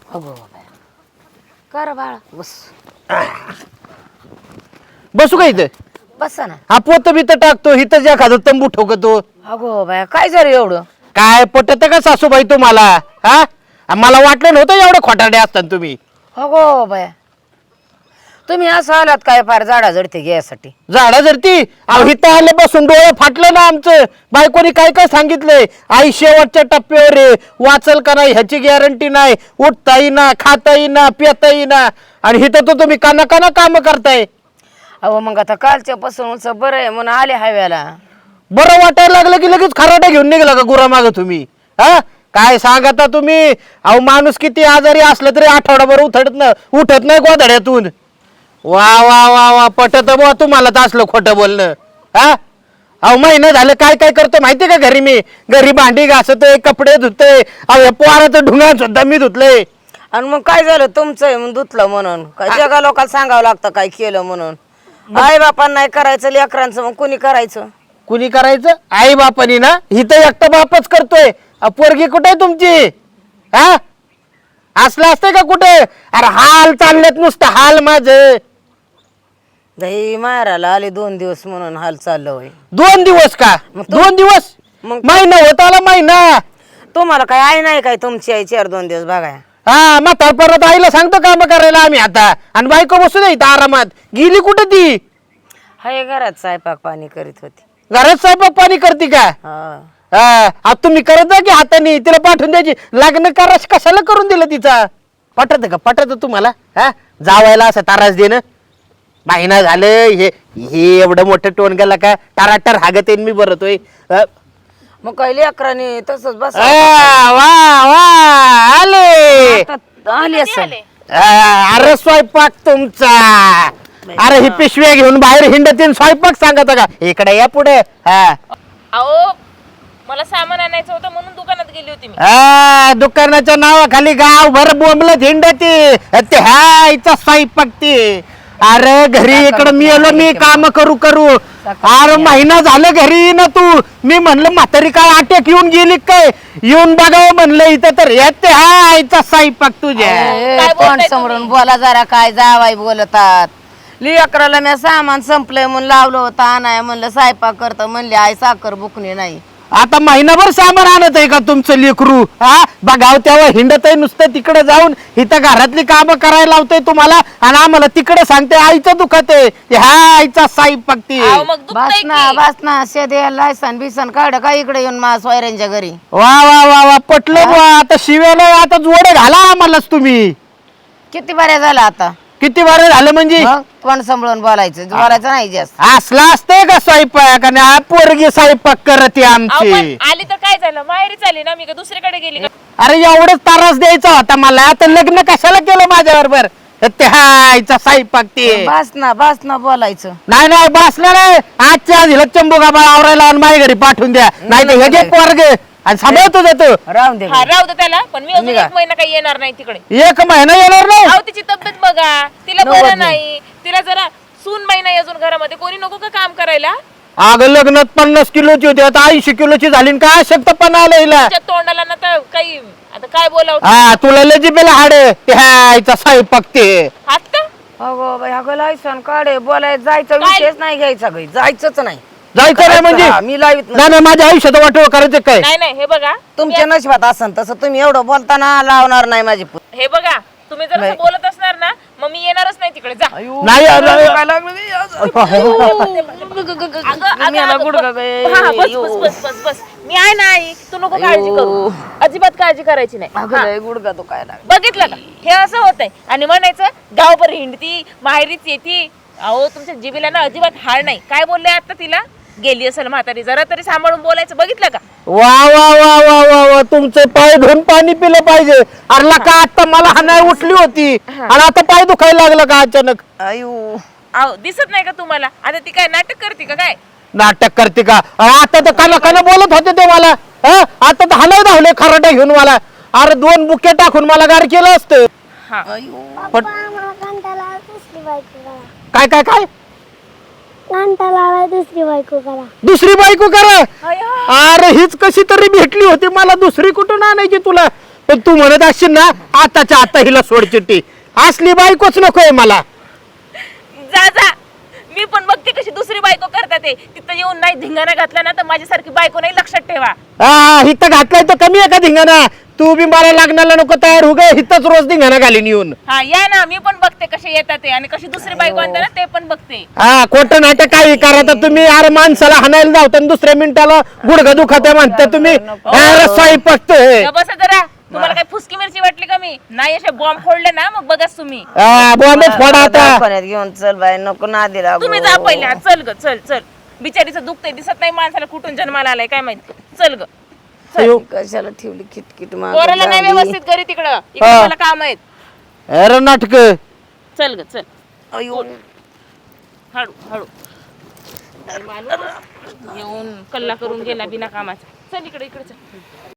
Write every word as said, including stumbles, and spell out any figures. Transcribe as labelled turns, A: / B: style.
A: अगो कर बाळा बस
B: बसू का इथं?
A: बस ना.
B: हा पोत बित टाकतो इथं ज्या खातो तंबू ठोकतो.
A: अगो बाया काय झालं एवढं?
B: काय पटत का सासूबाई तुम्हाला? हा मला वाटलं नव्हतं एवढं खोटारडे असतात तुम्ही.
A: अगो बाया तुम्ही असं आलात काय फार झाडा झडते घ्यायसाठी?
B: झाडा जरती अहो इथं आले बसून डोळे फाटलं ना आमचं. बायकोनी काय काय सांगितलंय, आई शेवटच्या टप्प्यावर आहे, वाचल का नाही ह्याची गॅरंटी नाही, उठता येईना, खाता येईना, पिता येईना, आणि इथं तर तुम्ही काना काना काम करताय.
A: अहो मग आता कालच्या पासून बरं आहे म्हणून आले हव्याला.
B: बरं वाटायला लागलं की लगेच खराटा घेऊन निघला का गुरा माग तुम्ही? हा काय सांगता तुम्ही? अहो माणूस किती आजारी असलं तरी आठवडाभर उठत न उठत नाही गोधड्यातून. वा वा वा वा पटत बुवा तुम्हाला तर असलं खोटं बोलणं. हा अहो महिना झालं काय काय करतो माहितीये का घरी? मी घरी भांडी घासतोय, कपडे धुतोय, अहो या पोराचं ढुंगा सुद्धा मी धुतलंय.
A: आणि मग काय झालं तुमचं म्हणून धुतलं म्हणून काय जगा लोकांना सांगावं लागतं काय केलं म्हणून? आई बापांना नाही करायचं लेकरांचं मग कुणी करायचं?
B: कुणी करायचं? आई बापानी ना. इथं एकटा बापच करतोय. अ, पोरगी कुठे आहे तुमची? हा असलं असतंय का कुठे? अरे हाल चाललेत नुसतं हाल माझं.
A: दही मारायला आले दोन दिवस म्हणून हाल चाललं होय.
B: दोन दिवस का?
A: मग तू-
B: दोन दिवस
A: मग-
B: महिना होत आला महिना.
A: तुम्हाला काय आई नाही काय तुमची आई चार दोन दिवस बघाय?
B: हा म्हातार परत आईला सांगतो काम करायला आम्ही आता, आणि बायको बसू दे इथं आरामात. गेली कुठे ती?
A: हाय घरात स्वयंपाक पाणी करीत होती.
B: घरात स्वयंपाक पाणी करते का?
A: हा
B: हा आता तुम्ही करत जा की हाताने, तिला पाठवून द्यायची. लग्न करा कशाला करून दिलं तिचा? पटत का? पटत तुम्हाला? हा जावायला असं तारास देणं? महिना झालं हे हे एवढं मोठं टोन गेला का टाराटार हागत येईन मी बरतोय. अ,
A: मग काय लेकरांनी तसंच बस
B: आ, वा वा आले.
A: आली असेल.
B: आ, अरे स्वयंपाक तुमचा. अरे ही पिशव्या घेऊन बाहेर हिंडतीन स्वयंपाक सांगत का? इकडे या पुढे. हा
C: अहो मला सामान आणायचं होतं म्हणून दुकानात गेली होती मी.
B: आ, दुकानाच्या नावाखाली गाव भर बोंबलत हिंडती ते हा इथं स्वयंपाक ती. अरे घरी इकडं मी आलो मी काम करू करू. अरे महिना झालं घरी ना तू. मी म्हणलं म्हातारी काय अटॅक येऊन गेली काय? येऊन बघावं म्हणलं इथं तर येते हा इथं स्वयंपाक तुझ्या.
C: काय
A: कोण
C: बोलताय
A: समोरून बोला जरा काय जावाई बोलतात. लेकराला मी सामान संपलंय म्हणून लावलं होतं आणाय म्हणलं स्वयंपाक करतं म्हणले आई साखर बुकणी नाही.
B: आता महिनाभर सामान आणत आहे का तुमचं लेकरू? हा बघाव तेव्हा हिंडत आहे नुसतं तिकडे जाऊन. इथं घरातली कामं करायला लावतोय तुम्हाला आणि आम्हाला तिकडे सांगते आईचं दुखत आहे. हा आईचा स्वयंपाक ती.
C: अहो मग दुखतंय
A: बस ना
C: की.
A: बस ना शेदे लायसन बिसन काढ का इकडे येऊन मा सोयऱ्यांच्या घरी.
B: वा वा वा वा पटलं बुवा. आता शिव्याला आता जोडे घाला आम्हालाच तुम्ही.
A: किती बऱ्या झाला आता?
B: किती बरं झालं म्हणजे?
A: मग कोण सांभाळून बोलायचं बोलायचं नाही जास्त.
B: असला असतंय का स्वयंपाक? आणि हा पोरगी स्वयंपाक करते
C: अहो
B: आमची.
C: पण आली तर काय झालं, माहेरीच आली ना मी, का दुसरीकडे गेली का?
B: अरे एवढंच त्रास द्यायचा होता मला. आता लग्न कशाला केलं माझ्या बरोबर? ते हायचा स्वयंपाक ते.
A: बस ना बस ना बोलायचं.
B: नाही नाही बसलं नाही. आजच्या आज हिला चंबू गाबा आवरायला आणि माझ्या घरी पाठवून द्या. नाही तर हे घे पोरग आणि सांभाळतो जातो.
A: राहून दे
C: हा राहू दे त्याला, पण मी अजून एक महिना काही येणार नाही तिकडे.
B: एक महिना येणार नाही.
C: अहो तिची तब्येत बघा, तिला
A: नव्वद
C: बरं नाही. तिला जरा सून महिना अजून घरामध्ये कोणी नको का काम करायला?
B: अगं लग्नात पन्नास किलोची होती आता ऐंशी किलोची झाली. आणि काय शक्तपणा आलं हिला?
C: तिच्या तोंडाला ना तर काही आता काय बोलावं.
B: हा तुला लजीबेला हाड ह्याचा स्वयंपाक ते.
C: हात का?
A: अगो बाई अगं लायसन काढे बोलायचं जायचं
C: काय?
A: विषयच नाही घ्यायचा काही जायचंच नाही.
B: जायचं नाही म्हणजे?
A: हा, मी लावित नाही.
B: नाही नाही माझ्या आयुष्यात वाटोळ करायचं काय?
C: नाही नाही हे बघा
A: तुमच्या नशिबात असन तसं तुम्ही एवढं बोलताना लावणार नाही माझी पु-
C: हे बघा तुम्ही जर असं बोलत असणार ना मग मी येणारच नाही तिकडे. जा.
B: नाही अरे,
A: काय लागलं बी?
C: अगं, अगं,
A: याला
C: अगं,
A: गुडघा
C: बस-
A: गे.
C: हा, बस बस बस बस बस मी आहे ना आई, तू नको काळजी करू. अजिबात काळजी करायची नाही.
A: अगं
C: हा.
A: लय गुडघा तो काय लागला.
C: बघितलं का हे असं होतंय आणि म्हणायचं गावभर हिंडती माहेरीच येती. अहो तुमच्या जिबीला ना अजिबात हाड नाही. काय बोलले आता तिला? गेली असेल म्हातारी, जरा तरी सांभाळून बोलायचं. बघितलं का?
B: वा वा वा वा वा वा तुमचे पाय धुवून पाणी पिलं पाहिजे. अरला का आता मला हाणाय उठली होती आणि आता पाय दुखायला लागला का अचानक?
A: आयु
C: अहो दिसत नाही का तुम्हाला? आता ती काय नाटक करते का काय?
B: नाटक करते का? अहो, आता तर काना काना बोलत होते ते मला. हा? आता तर हाणाय धावले खराटा घेऊन मला. अरे दोन बुके टाकून मला गार केलं असतं.
C: हा
B: पण
D: मला कंटाळा दुसरी बायको करा.
B: काय काय काय
D: कंटाळा दुसरी बायको करा.
B: दुसरी बायको करा?
C: अय्या.
B: अरे हीच कशी तरी भेटली होती मला. दुसरी कुठून आणायची तुला? पण तू म्हणत असशील ना आताच्या आता हिला सोड चिट्टी, असली बायकोच नकोय मला.
C: जा जा, मी पण बघते कशी दुसरी बायको करतात ते. तिथं येऊन नाही धिंगाणा घातला ना तर माझ्यासारखी बायको नाही, लक्षात ठेवा.
B: हा हिथं घातलाय तर कमी आहे का धिंगाणा? तू बी मला लग्नाला नको तयार हो गे, हिथंच रोज धिंगाणा घालीन येऊन.
C: हा या ना, मी पण बघते कसे येतात ते आणि कशी दुसरी बायको आणते ना ते पण बघते.
B: हा खोटं नाटक काही करा तर तुम्ही अरे माणसाला हाणायला जावता दुसऱ्या मिनिटाला गुडघा दुखाते म्हणता तुम्ही. स्वयंपाक
C: ग बसा जरा, तुम्हाला काय फुसकी मिरची वाटली का? मी नाही असे बॉम्ब फोडले ना मग बघाच तुम्ही.
B: बॉम्बे फोडा आता.
A: दवाखान्यात घेऊन चल बाई, नको नादी लागू.
C: तुम्ही जा पहिले, हा, चल ग चल चल. बिचारीचं दुखतंय, दिसत नाही माणसाला कुठून जन्माला आलाय काय माहिती. चल ग,
A: कशाला ठेवली किटकिट
C: पोराला नाही
A: माग
C: व्यवस्थित घरी तिकडं, इकडे मला काम आहेत.
B: अरे नाटक.
C: चल ग चल. हळू हळू. बाई माणूस येऊन कल्ला करून गेला बिना कामाचा. चल इकडे इकडे चल.